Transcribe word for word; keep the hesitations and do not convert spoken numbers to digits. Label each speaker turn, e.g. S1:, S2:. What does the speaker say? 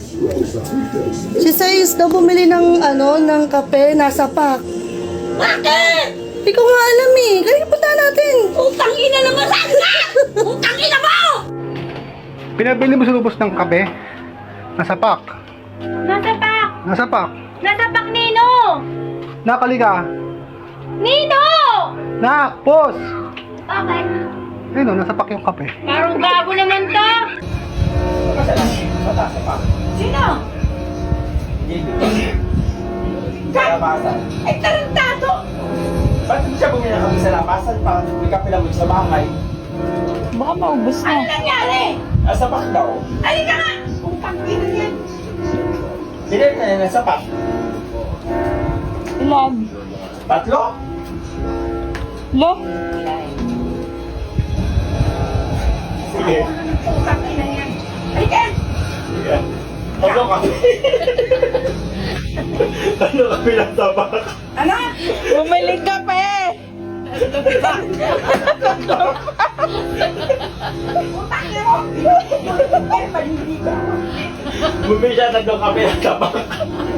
S1: Si Sais daw bumili ng ano, ng kape, nasa pack.
S2: Bakit?
S1: Hindi ko nga alam eh. Kaya punta natin.
S2: Utang ina naman saan ka? Utang ina mo!
S3: Pinabili mo sa lubos ng kape? Nasa pack.
S4: Nasa pak!
S3: Nasa pack.
S4: Nasa pak, Nino!
S3: Nakalika.
S4: Nino!
S3: Nak, pos!
S4: Bakit?
S3: Ayun o, nasa pack yung kape.
S4: Parang gago naman to!
S2: Sino?
S5: Labasan.
S2: Ay, tarantado!
S5: Ba't hindi siya bumili ng kami sa labasan para may kape lang sa bahay?
S4: Baka maubos
S2: Ano nangyari?
S5: Nasa pack daw.
S2: Halika nga! Utang ina yan!
S5: Binili na yan nasa pack.
S4: Ilan?
S5: Tatlo?
S4: Lo?
S5: Sige.
S2: Utang ina yan! Halika!
S5: Sige. Tatlo kami. Tatlo kami nasa pack.
S2: Ano?
S4: Bumili ka pa eh!
S2: Utang ina mo! Ay, maliligo ako.
S5: Bumili siya tatlo kami nasa pack.